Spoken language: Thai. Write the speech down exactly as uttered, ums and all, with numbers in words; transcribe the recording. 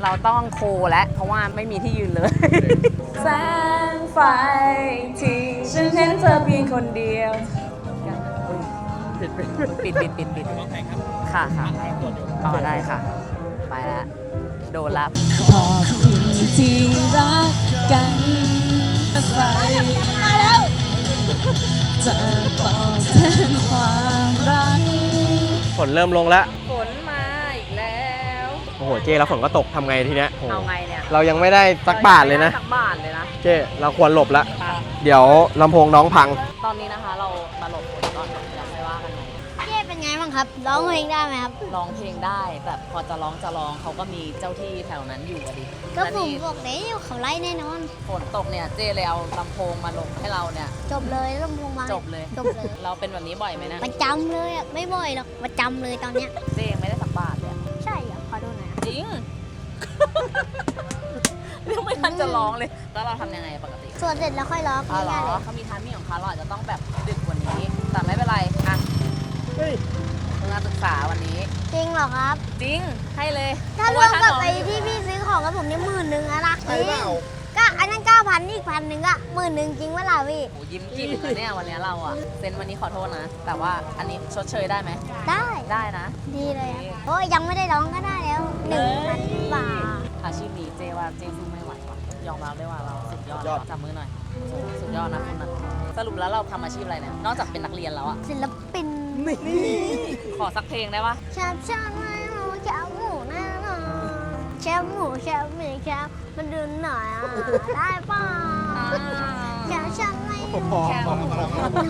เราต้องโคและเพราะว่าไม่มีที่ยืนเลย แสงไฟที่ฉันเห็นเธอเพียงคนเดียวปิดปิดปิดปิดปิดปิดค่ะค่ะอ๋อได้ค่ะ ไปแล้วโดนละขอบคุณที่รักกันไปมาแล้วจะตอบแทนความรักฝนเริ่มลงแล้วฝนมาอีกแล้วโอ้โหเจ้แล้วฝนก็ตกทำไงทีเนี้ยโอ้โหเอาไงเนี่ยเรายังไม่ได้สักบาทเลยนะสักบาทเลยนะเจ้เราควรหลบแล้วเดี๋ยวลำโพงน้องพังตอนนี้นะคะเรามาหลบฝนก่อนเดี๋ยวไม่ว่ากันใหม่เจ๊เป็นไงบ้างครับ ร้องเพลงได้ไหมครับร้องเพลงได้แต่พอจะร้องจะร้องเขาก็มีเจ้าที่แถวนั้นอยู่อะดิก็แล้วผมนี่บอกแล้วเขาไล่แน่นอนฝนตกเนี่ยเจ้เลยเอาลำโพงมาลงให้เราเนี่ยจบเลยลำโพงมาจบเลยจบเลยเราเป็นแบบนี้บ่อยไหมนะประจำเลยอ่ะ ไม่บ่อยหรอก ประจำเลยตอนเนี้ยเจ้ยังไม่ได้สักบาทเลยอะใช่อ่ะขอดูหน่อยนะจริง ยังไม่ทันจะร้องเลย แล้วเราทำยังไงปกติส่วนเสร็จแล้วค่อยร้องอ๋อเหรง่ายๆเลอย เขามีทามมิ่งของเขาเราอาจจะต้องแบบดึกกว่านี้ แต่ไม่เป็นไรอ่ะเฮ้ยมึงมาศึกษาวันนี้จริงเหรอครับจริงให้เลยถ้ารวมกับไอ้ที่พี่ซื้อของกับผมนี่หมื่นหนึ่งอะนะใช่เปล่าก็อันนั้นเก้าพันอีกพันหนึ่งอะหมื่นหนึ่งจริงเวลาพี่โอ้ยิ้มกิ่มเลยเนี่ยวันนี้เราอะเซ็นวันนี้ขอโทษนะ แต่ว่าอันนี้ชดเชยได้ไหมได้ได้นะดีเลยอะโอ้ยยังไม่ได้ร้องก็ได้แล้วหนึ่งพันบาทอาชีพนี้เจว่าเจสู้ไม่ไหวว่ะยอมรับได้ว่าเราสุดยอดแล้วจับมือหน่อย สุดยอดนะคุณนะสรุปแล้วเราทำอาชีพอะไรเนี่ย นอกจากเป็นนักเรียนแล้วอะศิลปินขอสักเพลงได้ปะแชมป์ชาติไม่รู้แชมป์หมูแน่นอนแชมป์หมูแชมป์หมีแชมป์มันดูหน่อยอ่ะได้ป่ะแชมป์ชาติไม่รู้พอแค่พอพอ